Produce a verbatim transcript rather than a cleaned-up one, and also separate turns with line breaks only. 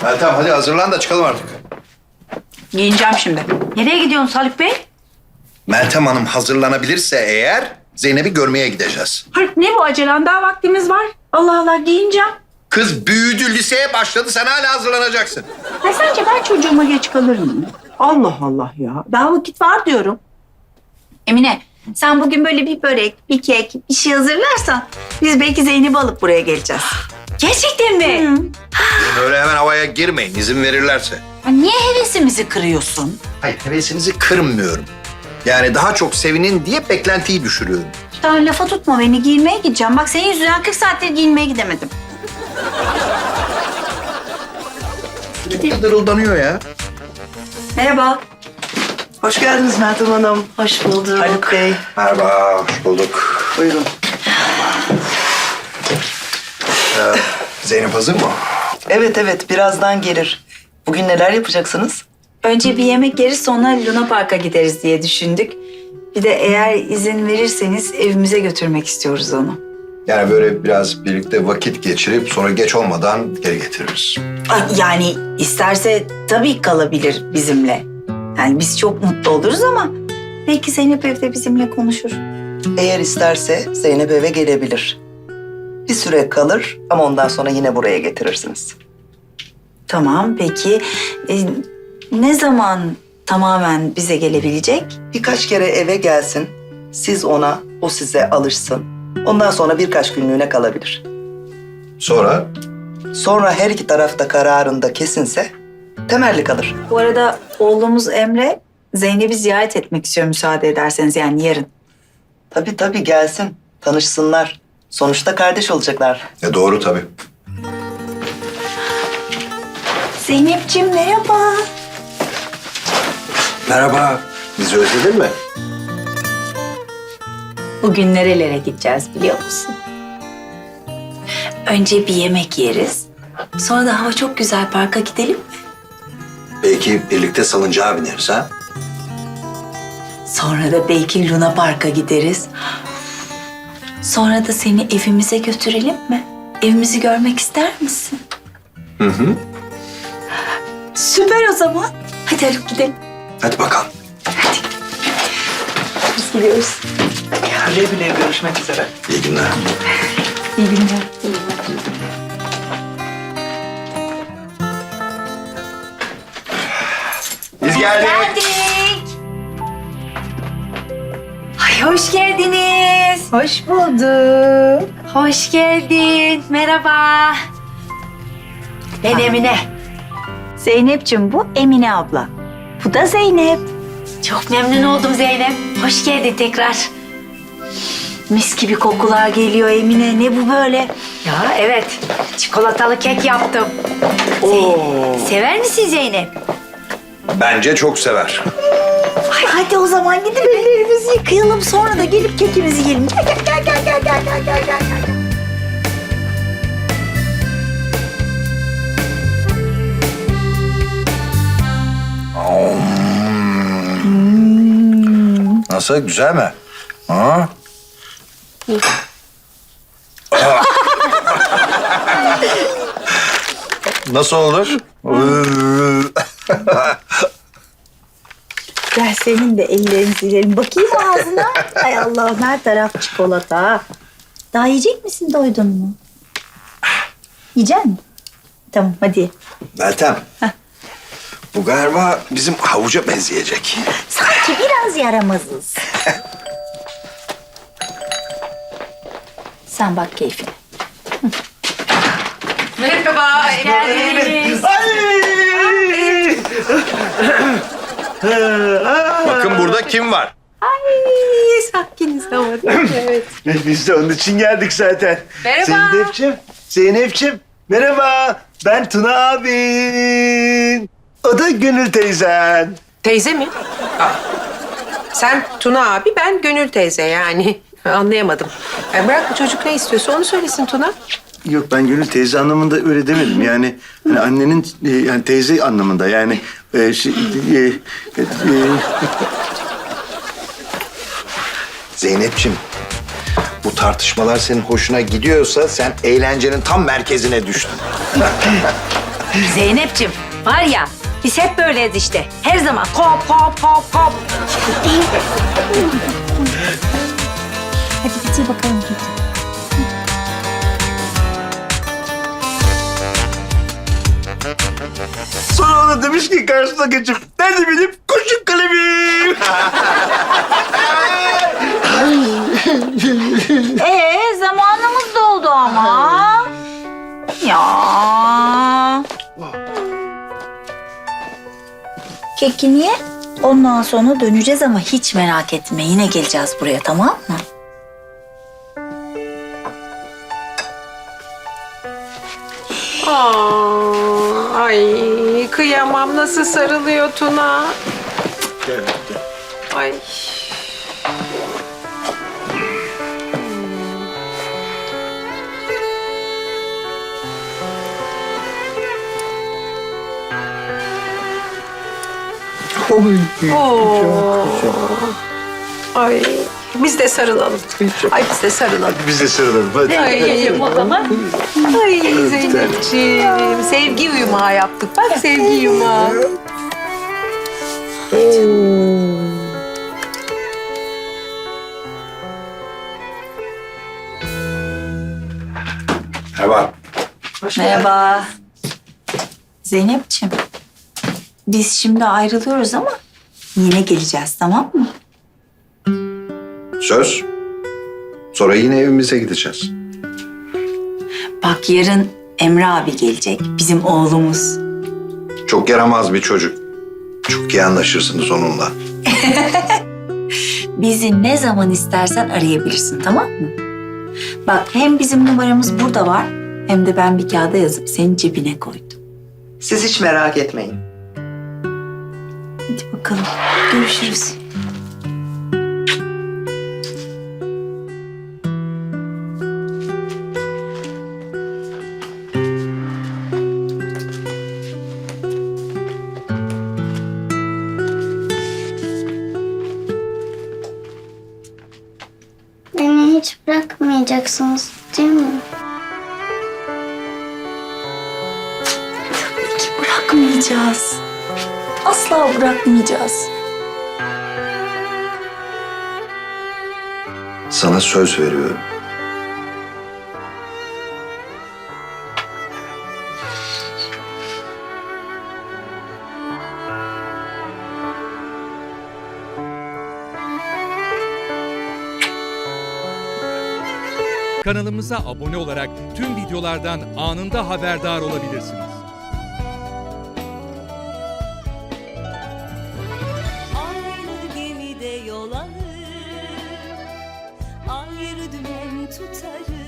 Meltem hadi hazırlan da çıkalım artık.
Giyineceğim şimdi. Nereye gidiyorsun Haluk Bey?
Meltem Hanım hazırlanabilirse eğer Zeynep'i görmeye gideceğiz.
Haluk ne bu acelen? Daha vaktimiz var. Allah Allah giyineceğim.
Kız büyüdü, liseye başladı. Sen hala hazırlanacaksın.
Ha, sence ben çocuğuma geç kalır mıyım? Allah Allah ya. Daha vakit var diyorum. Emine sen bugün böyle bir börek, bir kek, bir şey hazırlarsan biz belki Zeynep'i alıp buraya geleceğiz. Gerçekten mi? Hı.
Böyle hemen havaya girmeyin izin verirlerse.
Ya niye hevesimizi kırıyorsun?
Hayır hevesinizi kırmıyorum. Yani daha çok sevinin diye beklentiyi düşürüyorum.
Daha lafa tutma beni, giyinmeye gideceğim. Bak senin yüzünden kırk saattir giyinmeye gidemedim.
Sürekli dırıldanıyor ya.
Merhaba.
Hoş geldiniz Meltem Hanım.
Hoş bulduk.
Haluk Bey.
Merhaba, hoş bulduk.
Buyurun.
Ee, Zeynep hazır mı?
Evet evet birazdan gelir. Bugün neler yapacaksınız?
Önce bir yemek yeriz sonra Luna Park'a gideriz diye düşündük. Bir de eğer izin verirseniz evimize götürmek istiyoruz onu.
Yani böyle biraz birlikte vakit geçirip sonra geç olmadan geri getiririz.
Ay, yani isterse tabii kalabilir bizimle. Yani biz çok mutlu oluruz ama belki Zeynep evde bizimle konuşur.
Eğer isterse Zeynep eve gelebilir. Bir süre kalır ama ondan sonra yine buraya getirirsiniz.
Tamam peki e, ne zaman tamamen bize gelebilecek?
Birkaç kere eve gelsin. Siz ona, o size alışsın. Ondan sonra birkaç günlüğüne kalabilir.
Sonra?
Sonra her iki tarafta kararında kesinse temelli kalır.
Bu arada oğlumuz Emre Zeynep'i ziyaret etmek istiyor müsaade ederseniz yani yarın.
Tabii tabii gelsin. Tanışsınlar. Sonuçta kardeş olacaklar.
E doğru tabii.
Zeynep'ciğim merhaba.
Merhaba. Bizi özledin mi?
Bugün nerelere gideceğiz biliyor musun? Önce bir yemek yeriz. Sonra da hava çok güzel parka gidelim mi?
Belki birlikte salıncağa bineriz ha?
Sonra da belki Luna Park'a gideriz. Sonra da seni evimize götürelim mi? Evimizi görmek ister misin?
Hı hı.
Süper o zaman. Hadi Haluk gidelim.
Hadi bakalım.
Biz gidiyoruz.
Güle güle görüşmek üzere.
İyi günler.
İyi günler.
Biz geldik.
Geldik. Ay hoş geldiniz. Hoş bulduk. Hoş geldin. Merhaba. Ben Emine. Zeynep'ciğim bu Emine abla. Bu da Zeynep. Çok memnun oldum Zeynep. Hoş geldin tekrar. Mis gibi kokular geliyor Emine. Ne bu böyle?
Ya evet, çikolatalı kek yaptım.
Zeynep, sever misin Zeynep?
Bence çok sever.
Ay, hadi o zaman gidip ellerimizi yıkayalım. Sonra da gelip kekimizi yiyelim. Gel gel gel gel gel gel gel gel gel.
Nasıl? Güzel mi? Ha? Nasıl olur?
Gel senin de ellerini silelim. Bakayım ağzına. Ay Allah'ım her taraf çikolata. Daha yiyecek misin? Doydun mu? Yiyecek misin? Tamam hadi.
Meltem. Bu galiba bizim havuca benzeyecek.
Sanki biraz yaramazız. Sen bak keyfine.
Merhaba, geldiniz.
Bakın burada kim var?
Ay, sakiniz ama değil mi? Evet.
Biz de onun için geldik zaten.
Merhaba.
Zeynep'ciğim, Zeynep'ciğim. Merhaba, ben Tuna abin. O da Gönül teyzen.
Teyze mi? Aa. Sen Tuna abi, ben Gönül teyze yani. Anlayamadım. Yani bırak bu çocuk ne istiyorsa onu söylesin Tuna.
Yok ben Gönül teyze anlamında öyle demedim. Yani hani annenin e, yani teyze anlamında yani e, şey, e, e, e,
Zeynep'ciğim, bu tartışmalar senin hoşuna gidiyorsa sen eğlencenin tam merkezine düştün.
Zeynep'ciğim var ya biz hep böyleyiz işte. Her zaman kop kop kop kop. Hadi bitir bakalım Tuğçe.
Sonra ona demiş ki karşısına geçip nerede benim kurşun kalemim?
Ee zamanımız doldu ama. Ya. Keki niye? Ondan sonra döneceğiz ama hiç merak etme. Yine geleceğiz buraya, tamam mı?
Aa, ay kıyamam nasıl sarılıyor Tuna. Ay. Oo. Ay biz de sarılalım. Ay biz de sarılalım.
Biz de sarılalım hadi.
Ay, o zaman. Ay Zeynepciğim. Sevgi yumağı yaptık. Bak sevgi yumağı.
Merhaba.
Merhaba. Zeynep'ciğim. Biz şimdi ayrılıyoruz ama yine geleceğiz, tamam mı?
Söz. Sonra yine evimize gideceğiz.
Bak yarın Emre abi gelecek. Bizim oğlumuz.
Çok yaramaz bir çocuk. Çok iyi anlaşırsınız onunla.
Bizi ne zaman istersen arayabilirsin, tamam mı? Bak hem bizim numaramız burada var hem de ben bir kağıda yazıp senin cebine koydum.
Siz hiç merak etmeyin.
Hadi bakalım. Görüşürüz.
Beni hiç bırakmayacaksınız değil mi?
Bırakmayacağız. Asla bırakmayacağız.
Sana söz veriyorum.
Kanalımıza abone olarak tüm videolardan anında haberdar olabilirsiniz.
Aynı gemide yol alır, ayrı dümen tutarız.